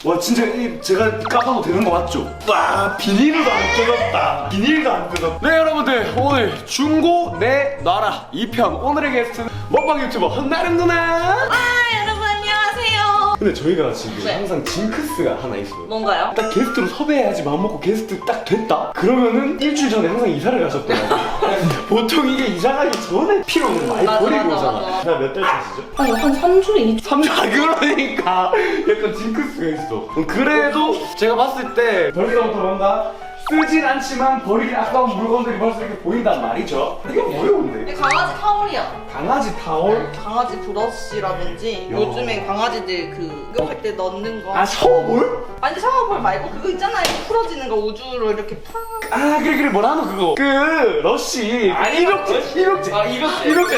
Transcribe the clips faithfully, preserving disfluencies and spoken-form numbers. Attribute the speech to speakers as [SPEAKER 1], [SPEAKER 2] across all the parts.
[SPEAKER 1] 와 진짜 이 제가 까봐도 되는 거 맞죠? 와 비닐도 안 뜯었다. 비닐도 안 뜯었다. 네 여러분들 오늘 중고 내 나라 이 편 오늘의 게스트는 먹방 유튜버 한나름 누나.
[SPEAKER 2] 아 여러분 안녕하세요.
[SPEAKER 1] 근데 저희가 지금
[SPEAKER 2] 네.
[SPEAKER 1] 항상 징크스가 하나 있어요.
[SPEAKER 2] 뭔가요?
[SPEAKER 1] 딱 게스트로 섭외해야지 마음먹고 게스트 딱 됐다? 그러면은 일주일 전에 항상 이사를 가셨더라고요. 보통 이게 이사 가기 전에 피로를 많이
[SPEAKER 2] 맞아,
[SPEAKER 1] 버리고
[SPEAKER 2] 맞아,
[SPEAKER 1] 오잖아.
[SPEAKER 2] 맞아.
[SPEAKER 1] 자, 몇 달 차시죠?
[SPEAKER 2] 아니 한 삼 주 이 주.
[SPEAKER 1] 삼 주 아 그러니까 약간 징크스가 있어. 그래도 제가 봤을 때 벌써부터 뭔가 쓰진 않지만 버리기 아까운 물건들이 벌써 이렇게 보인단 말이죠. 이거 뭐예요 근데?
[SPEAKER 2] 강아지 타올이야.
[SPEAKER 1] 강아지 타올?
[SPEAKER 2] 강아지 브러쉬라든지
[SPEAKER 1] 야.
[SPEAKER 2] 요즘엔 강아지들 그 목욕할 때 넣는 거.
[SPEAKER 1] 아 샤워볼?
[SPEAKER 2] 아니 샤워볼 말고 그거 있잖아요. 풀어지는 거 우주로 이렇게 팍.
[SPEAKER 1] 아 그래 그래 뭐라 하노 그거 그 러쉬 아 이렇게 이렇게 아 이렇게 이렇게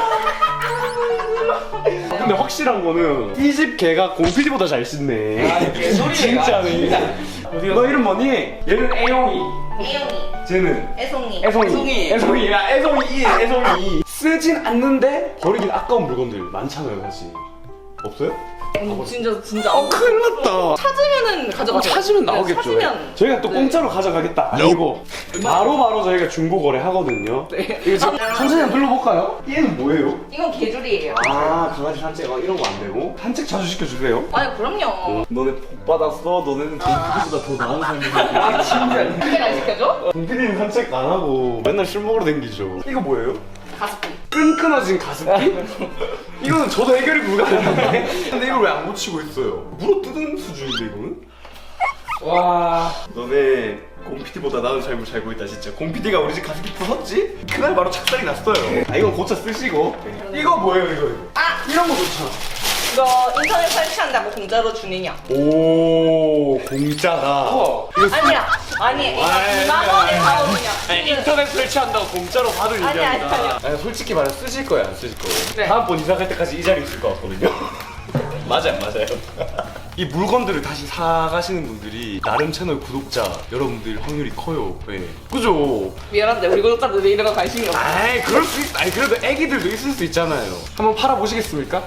[SPEAKER 1] 근데 확실한 거는 이 집 개가 곰피디보다 잘 씻네.
[SPEAKER 3] 아, 개소리야.
[SPEAKER 1] 진짜네. 너 이름 뭐니? 얘는 애용이.
[SPEAKER 2] 애용이,
[SPEAKER 1] 쟤는
[SPEAKER 2] 애송이.
[SPEAKER 1] 애송이.
[SPEAKER 3] 애송이.
[SPEAKER 1] 애송이야 애송이 애송이. 쓰진 않는데 버리긴 아까운 물건들 많잖아요 사실. 없어요?
[SPEAKER 2] 음, 진짜 진짜.
[SPEAKER 1] 어 큰일 났다.
[SPEAKER 2] 찾으면은 가져가세요.
[SPEAKER 1] 찾으면
[SPEAKER 2] 네,
[SPEAKER 1] 나오겠죠.
[SPEAKER 2] 찾으면.
[SPEAKER 1] 저희가 또
[SPEAKER 2] 네.
[SPEAKER 1] 공짜로 가져가겠다. 아니고 바로 바로 저희가 중고 거래 하거든요.
[SPEAKER 2] 네.
[SPEAKER 1] 이거 지금
[SPEAKER 2] 아,
[SPEAKER 1] 천천히 한번 불러볼까요? 얘는 뭐예요?
[SPEAKER 2] 이건 개줄이에요.
[SPEAKER 1] 아 강아지 산책 어, 이런 거 안 되고 산책 자주 시켜주세요.
[SPEAKER 2] 아니 그럼요.
[SPEAKER 1] 너네 복 받았어. 너네는 동피디보다 더 나은 삶을 아 진짜.
[SPEAKER 2] 그게 날 시켜줘?
[SPEAKER 1] 동피디는 산책 안 하고 맨날 술 먹으러 댕기죠. 이거 뭐예요?
[SPEAKER 2] 가습기.
[SPEAKER 1] 끈끈해진 가습기? 이거는 저도 해결이 불가능한데. 근데 이걸 왜 안 고치고 있어요? 물어 뜯은 수준인데 이거는?
[SPEAKER 3] 와.
[SPEAKER 1] 너네 곰피디보다 나은 삶을 살고 있다 진짜. 곰피디가 우리 집 가습기 부쉈지? 그날 바로 착살이 났어요. 아 이건 고쳐 쓰시고. 이거 뭐예요 이거? 이거?
[SPEAKER 2] 아
[SPEAKER 1] 이런 거 좋잖아.
[SPEAKER 2] 이거 인터넷 설치한다고 공짜로 주느냐?
[SPEAKER 1] 오 공짜다.
[SPEAKER 3] 우와.
[SPEAKER 1] 이거
[SPEAKER 2] 아니야. 아니 이거 이만 원에 사오느냐?
[SPEAKER 1] 아니, 인터넷 설치한다고 공짜로 받을
[SPEAKER 2] 아니,
[SPEAKER 1] 얘기합니다.
[SPEAKER 2] 아니, 아니.
[SPEAKER 1] 아니, 솔직히 말해 쓰실 거예요 안 쓰실 거예요?
[SPEAKER 2] 네.
[SPEAKER 1] 다음번 이사 갈 때까지 이 자리 있을 것 같거든요. 맞아요 맞아요. 이 물건들을 다시 사가시는 분들이 나름 채널 구독자 여러분들 확률이 커요. 네. 그죠?
[SPEAKER 2] 미안한데 우리 구독자들이 이런 거 관심이 없어.
[SPEAKER 1] 아이 그럴 수 있. 아니 그래도 애기들도 있을 수 있잖아요. 한번 팔아 보시겠습니까?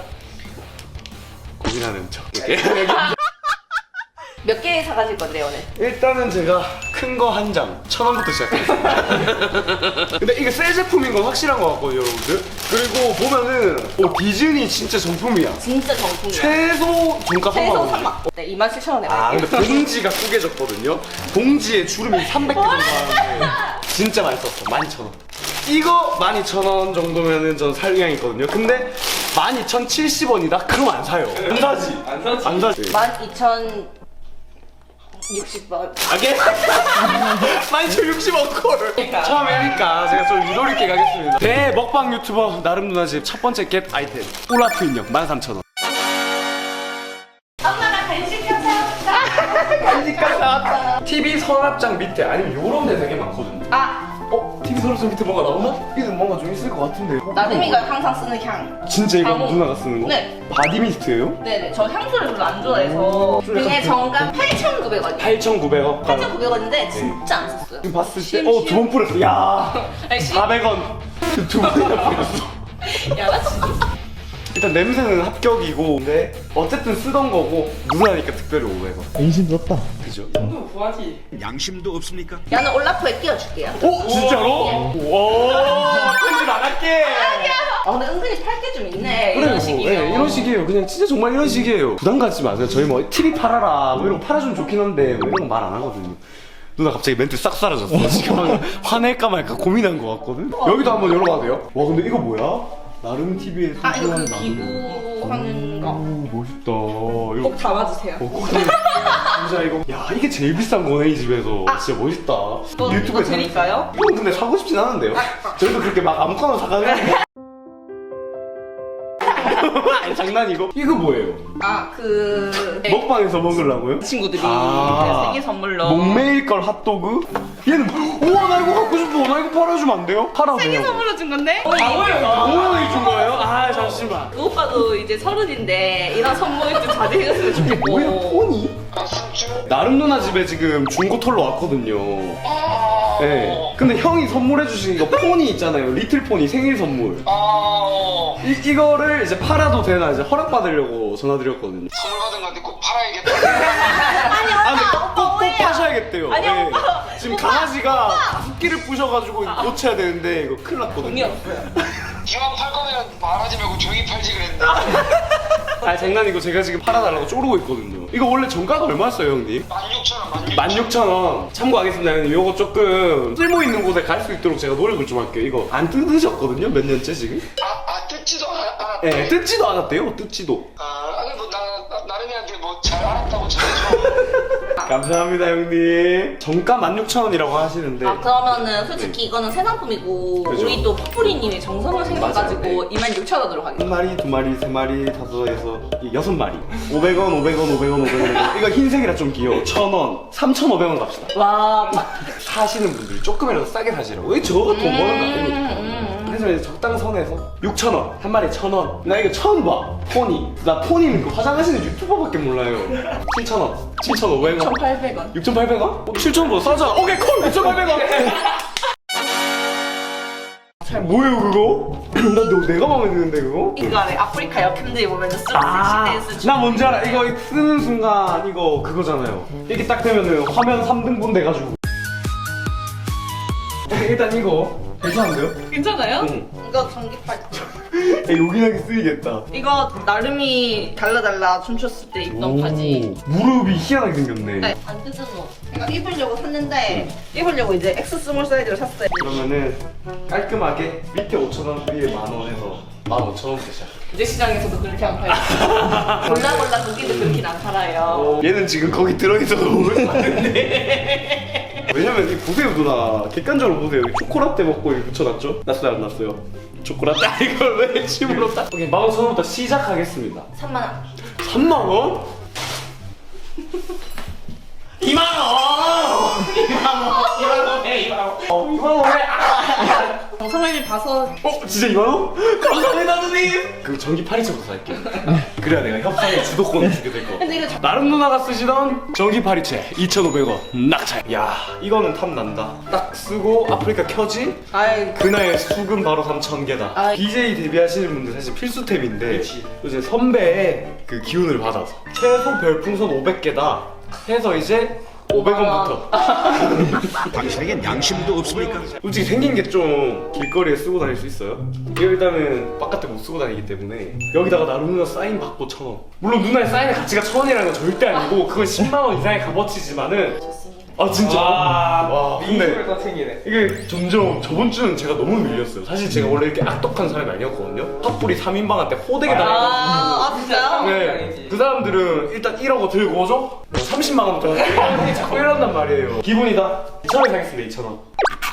[SPEAKER 1] 고민하는 척.
[SPEAKER 2] 몇 개 사가실 건데 오늘?
[SPEAKER 1] 일단은 제가 큰 거 한 장, 천 원부터 시작했습니다. 근데 이게 새 제품인 건 확실한 것 같거든요, 여러분들. 그리고 보면은 어, 디즈니 진짜 정품이야.
[SPEAKER 2] 진짜 정품이야.
[SPEAKER 1] 최소 정가
[SPEAKER 2] 최소
[SPEAKER 1] 삼만 원.
[SPEAKER 2] 삼만. 네, 이만 칠천 원에
[SPEAKER 1] 아
[SPEAKER 2] 갈게요.
[SPEAKER 1] 근데 봉지가 꾸겨졌거든요. 봉지에 주름이 삼백 개 정도 하는데 진짜 많이 썼어. 만 이천 원. 이거 만 이천 원 정도면은 전 살 의향이 있거든요. 근데 만 이천칠십 원이다? 그럼 안 사요. 안 사지.
[SPEAKER 3] 안 사지.
[SPEAKER 1] 안 사지.
[SPEAKER 2] 만 이천 육십 원.
[SPEAKER 1] 아게? 만 이천육십 원 콜! 처음에 하니까 제가 좀 유도리 있게 가겠습니다. 대먹방 유튜버 나름 누나 집 첫 번째 겟 아이템 울라프 인형 만 삼천 원.
[SPEAKER 2] 엄마가 간식 사왔다.
[SPEAKER 1] 간식까지 나왔다. 티비 서랍장 밑에 아니면 요런 데 되게 많거든요.
[SPEAKER 2] 아
[SPEAKER 1] 어? 티비 서랍장 밑에 뭐가 나오나? 이게 뭔가 좀 있을 것 같은데.
[SPEAKER 2] 나름이가 항상 쓰는 향.
[SPEAKER 1] 진짜 이거
[SPEAKER 2] 방어.
[SPEAKER 1] 누나가 쓰는 거?
[SPEAKER 2] 네.
[SPEAKER 1] 바디미스트예요?
[SPEAKER 2] 네네. 저 향수를 별로 안 좋아해서 등의 정가 팔천구백 원.
[SPEAKER 1] 팔천구백 원.
[SPEAKER 2] 팔천구백 원인데 진짜 안 썼어요.
[SPEAKER 1] 지금 봤을 때,
[SPEAKER 2] 심,
[SPEAKER 1] 어,
[SPEAKER 2] 심.
[SPEAKER 1] 두 번 뿌렸어. 야
[SPEAKER 2] 아니, 심.
[SPEAKER 1] 사백 원. 두 번이나 뿌렸어.
[SPEAKER 2] 야, 나 진짜.
[SPEAKER 1] 일단 냄새는 합격이고, 근데 어쨌든 쓰던 거고, 누나니까 특별히 오백 원.
[SPEAKER 4] 인심 썼다.
[SPEAKER 1] 그죠?
[SPEAKER 3] 정도 구하지.
[SPEAKER 5] 양심도 없습니까?
[SPEAKER 2] 야는 올라프에 끼워줄게요.
[SPEAKER 1] 오! 진짜로? 와 편집 안 할게!
[SPEAKER 2] 아 근데 은근히 팔 게 좀 있네.
[SPEAKER 1] 그래요.
[SPEAKER 2] 이런 식이면.
[SPEAKER 1] 네, 이런 식이에요. 그냥 진짜 정말 이런 식이에요. 부담 갖지 마세요. 저희 뭐 티비 팔아라, 뭐 이런 거 팔아주면 좋긴 한데, 뭐 이런 거 말 안 하거든요. 누나 갑자기 멘트 싹 사라졌어. 지금 화낼까 말까 고민한 거 같거든? 여기도 한번 열어봐도 돼요? 와, 근데 이거 뭐야? 나름 티비에
[SPEAKER 2] 아 이거 그
[SPEAKER 1] 소중한
[SPEAKER 2] 기부하는 거.
[SPEAKER 1] 오, 멋있다. 이거
[SPEAKER 2] 꼭 담아주세요.
[SPEAKER 1] 어, 꼭 진짜 이거 야 이게 제일 비싼 거네 이 집에서. 진짜 멋있다.
[SPEAKER 2] 뭐, 이거 드릴까요?
[SPEAKER 1] 형 근데 사고 싶진 않은데요? 저희도 그렇게 막 아무거나 사가는 아니 장난이고. 이거 뭐예요?
[SPEAKER 2] 아 그
[SPEAKER 1] 먹방에서 먹으려고요?
[SPEAKER 2] 친구들이
[SPEAKER 1] 아.
[SPEAKER 2] 생일 선물로
[SPEAKER 1] 목매일 걸 핫도그? 얘는 우와 나 이거 갖고 싶어. 나 이거 팔아주면 안 돼요? 팔아줘요.
[SPEAKER 2] 생일 선물로 준 건데?
[SPEAKER 1] 오만원이 준 거예요? 아 잠시만.
[SPEAKER 2] 그 오빠도 이제 서른인데 이런 선물이 좀 자제해줬으면 좋겠고.
[SPEAKER 1] 뭐야 폰이? 나름 누나 집에 지금 중고 털러 왔거든요. 네. 근데 형이 선물해 주신 이거 폰이 있잖아요. 리틀 폰이 생일 선물. 이, 이거를 이제 팔아도 되나 이제 허락 받으려고 전화드렸거든요.
[SPEAKER 5] 선물 받은 건데 꼭
[SPEAKER 4] 팔아야겠다.
[SPEAKER 2] 아니
[SPEAKER 1] 아 근데
[SPEAKER 2] 오빠
[SPEAKER 1] 꼭, 꼭
[SPEAKER 2] 오해야.
[SPEAKER 1] 파셔야겠대요.
[SPEAKER 2] 아니,
[SPEAKER 1] 네.
[SPEAKER 2] 오빠.
[SPEAKER 1] 지금
[SPEAKER 2] 오빠.
[SPEAKER 1] 강아지가 붓기를 부셔가지고 고쳐야 되는데 이거 큰일 났거든요.
[SPEAKER 2] 돈이 없어요.
[SPEAKER 4] 이왕 팔 거면 말하지 말고 조용히 팔지 그랬는데.
[SPEAKER 1] 아 장난이고 제가 지금 팔아달라고 쪼르고 있거든요. 이거 원래 정가가 얼마였어요 형님?
[SPEAKER 4] 만 육천 원, 만 육천 원.
[SPEAKER 1] 만 육천 원 참고하겠습니다 형님. 요거 조금 쓸모 있는 곳에 갈 수 있도록 제가 노력을 좀 할게요. 이거 안 뜯으셨거든요 몇 년째 지금?
[SPEAKER 4] 아, 아 뜯지도 않- 않았다.
[SPEAKER 1] 예, 뜯지도 않았대요 뜯지도.
[SPEAKER 4] 아, 아니 뭐 나, 나 나름이한테 뭐 잘 알았다고 잘해줘.
[SPEAKER 1] 감사합니다 형님. 정가 만 육천 원이라고 하시는데
[SPEAKER 2] 아 그러면은 솔직히 이거는 새 상품이고
[SPEAKER 1] 그죠.
[SPEAKER 2] 우리 또 퍼프리님이 정성을 생겨가지고
[SPEAKER 1] 맞아요.
[SPEAKER 2] 이만 육천 원으로
[SPEAKER 1] 한
[SPEAKER 2] 가겠습니다.
[SPEAKER 1] 마리, 두 마리, 세 마리, 다섯에서 이 여섯 마리. 오백 원, 오백 원, 오백 원, 오백 원. 이거 흰색이라 좀 귀여워. 천 원, 삼천오백 원 갑시다.
[SPEAKER 2] 와. 마-
[SPEAKER 1] 사시는 분들이 조금이라도 싸게 사시라고. 왜 저거 돈 버는 거 아니니까.
[SPEAKER 2] 음,
[SPEAKER 1] 그래서 이제 적당선에서 육천 원, 한 마리에 천 원. 나 이거 처음 봐. 포니. 나 포니는 그 화장하시는 유튜버밖에 몰라요. 칠천 원, 칠천오백 원.
[SPEAKER 2] 천팔백 원.
[SPEAKER 1] 육천팔백 원? 어, 칠천 원보다 싸잖아. 오케이 콜 육천팔백 원. 뭐예요 그거? 나 너, 내가 마음에 드는데 그거?
[SPEAKER 2] 이거 안에 아프리카 여캠들이 보면 쓰는
[SPEAKER 1] 아,
[SPEAKER 2] 섹시 댄스
[SPEAKER 1] 나 뭔지 알아. 이거 쓰는 순간 이거 그거잖아요. 이렇게 딱 되면은 화면 삼 등분 돼가지고. 오케이, 일단 이거 괜찮은데요?
[SPEAKER 2] 괜찮아요?
[SPEAKER 1] 응.
[SPEAKER 2] 이거 전기팔.
[SPEAKER 1] 야, 요긴하게 쓰이겠다.
[SPEAKER 2] 이거 나름이 달라달라 춤췄을 때 입던 바지.
[SPEAKER 1] 무릎이 희한하게 생겼네.
[SPEAKER 2] 네, 안 뜯은 옷. 이거 입으려고 샀는데 입으려고 이제 엑스 스몰 사이즈로 샀어요.
[SPEAKER 1] 그러면은 깔끔하게 밑에 오천 원, 위에 만 원에서 만 오천 원부터 시작.
[SPEAKER 2] 이제 시장에서도 그렇게 안 팔고 골라 골라 고기도 그렇게 안 팔아요.
[SPEAKER 1] 얘는 지금 거기 들어있어도 먹을 만한데. 왜냐면 이 보세요 누나. 객관적으로 보세요. 여기 초코라떼 먹고 이렇게 붙여놨죠? 났어요 안 났어요? 초코라떼? 아, 이걸 왜 침으로 딱. 오케이 만 오천 원부터 시작하겠습니다.
[SPEAKER 2] 삼만 원.
[SPEAKER 1] 삼만 원? 이만 원! 이만 원! 이만 원에 이만 원! 어, 이만 원에! 아!
[SPEAKER 2] 정성을 봐서
[SPEAKER 1] 어? 진짜 이만 원? 감사합니다 누님! 그 전기 파리채부터 살게요. 그래야 내가 협상의 주도권을 주게 될 거.
[SPEAKER 2] 근데 이거 자-
[SPEAKER 1] 나름 누나가 쓰시던 전기 파리채 이천오백 원 낙찰. 야 이거는 탐난다. 딱 쓰고 아프리카 켜지?
[SPEAKER 2] 아이
[SPEAKER 1] 그날 수금 바로 삼천 개다.
[SPEAKER 2] 아이.
[SPEAKER 1] 디제이 데뷔하시는 분들 사실 필수템인데 이제 선배의 그 기운을 받아서 최소 별풍선 오백 개다 해서 이제 오백 원부터.
[SPEAKER 5] 당신에겐 양심도 없습니까?
[SPEAKER 1] 솔직히 생긴 게 좀 길거리에 쓰고 다닐 수 있어요. 이거 일단은 바깥에 못 쓰고 다니기 때문에 여기다가 나름 누나 사인 받고 천 원. 물론 누나의 사인의 가치가 천 원이라는 건 절대 아니고 그건 십만 원 이상의 값어치지만은.
[SPEAKER 2] 좋습니다.
[SPEAKER 1] 아 진짜. 와
[SPEAKER 3] 민소를
[SPEAKER 1] 근데
[SPEAKER 3] 또 챙기네.
[SPEAKER 1] 이게 점점 저번 주는 제가 너무 밀렸어요. 사실 제가 원래 이렇게 악독한 사람이 아니었거든요. 핫불이 삼 인방한테 호되게 당해가지고.
[SPEAKER 2] 아, 아 진짜요?
[SPEAKER 1] 네. 그 사람들은 일단 일억 원 들고 오죠? 삼십만 원부터 자꾸 이런단 말이에요. 기분이다. 이천 원 사겠습니다. 이천 원.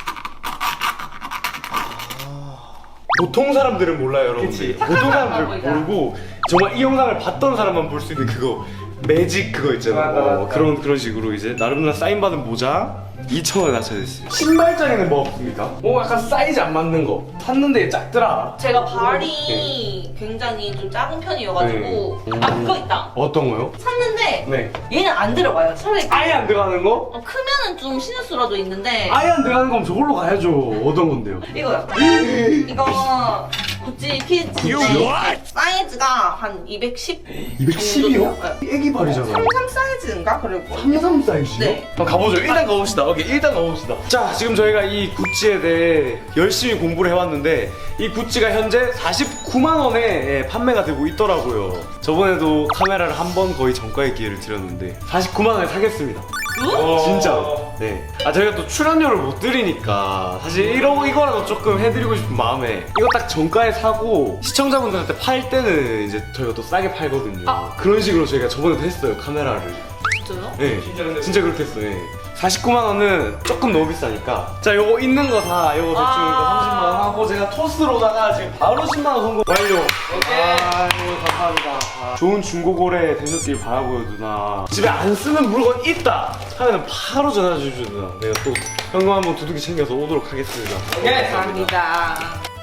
[SPEAKER 1] 보통 사람들은 몰라요, 여러분들. 보통 사람들은 모르고 정말 이 영상을 봤던 사람만 볼 수 있는 그거 매직 그거 있잖아요.
[SPEAKER 3] 맞아, 맞아.
[SPEAKER 1] 어, 그런 그런 식으로 이제 나름 누나 사인 받은 모자 이천 원에 낮춰졌어요. 신발장에는 뭐 없습니까? 뭐 약간 사이즈 안 맞는 거 샀는데 작더라.
[SPEAKER 2] 제가 발이 굉장히 좀 작은 편이어가지고 아 그거 있다.
[SPEAKER 1] 어떤 거요?
[SPEAKER 2] 샀는데
[SPEAKER 1] 네.
[SPEAKER 2] 얘는 안 들어가요. 차라리
[SPEAKER 1] 아예 안 들어가는 거?
[SPEAKER 2] 어, 크면은 좀 신을 수라도 있는데
[SPEAKER 1] 아예 안 들어가는 거면 저걸로 가야죠. 어떤 건데요?
[SPEAKER 2] 이거요. 이거 구찌 키즈인데 사이즈가 한 이백십
[SPEAKER 1] 이백십이요?
[SPEAKER 2] 정도?
[SPEAKER 1] 애기 발이잖아.
[SPEAKER 2] 삼십삼 사이즈인가? 그리고
[SPEAKER 1] 삼십삼 사이즈요?
[SPEAKER 2] 네.
[SPEAKER 1] 그럼 가보죠. 일단 가봅시다. 오케이, 일단 가봅시다. 자, 지금 저희가 이 구찌에 대해 열심히 공부를 해왔는데 이 구찌가 현재 사십구만 원에 예, 판매가 되고 있더라고요. 저번에도 카메라를 한 번 거의 정가의 기회를 드렸는데 사십구만 원에 사겠습니다.
[SPEAKER 3] 어.
[SPEAKER 1] 진짜. 네. 아 저희가 또 출연료를 못 드리니까 사실 이러 이거라도 조금 해드리고 싶은 마음에 이거 딱 정가에 사고 시청자분들한테 팔 때는 이제 저희가 또 싸게 팔거든요.
[SPEAKER 2] 아.
[SPEAKER 1] 그런 식으로 저희가 저번에도 했어요 카메라를.
[SPEAKER 2] 진짜요?
[SPEAKER 1] 네.
[SPEAKER 3] 진짜 근데
[SPEAKER 1] 진짜 그렇게 했어요. 네. 사십구만 원은 조금 너무 비싸니까 자 요거 있는 거 다 요거 대충
[SPEAKER 2] 아.
[SPEAKER 1] 이거 삼십만 원 하고 제가 토스로다가 지금 바로 십만 원 성공 완료. 아이고 감사합니다. 아, 좋은 중고거래 되셨길 바라고요 누나. 집에 안 쓰는 물건 있다 하면 바로 전화 주십시오 누나. 내가 또 현금 한번 두둑이 챙겨서 오도록 하겠습니다.
[SPEAKER 3] 오케이.
[SPEAKER 2] 감사합니다.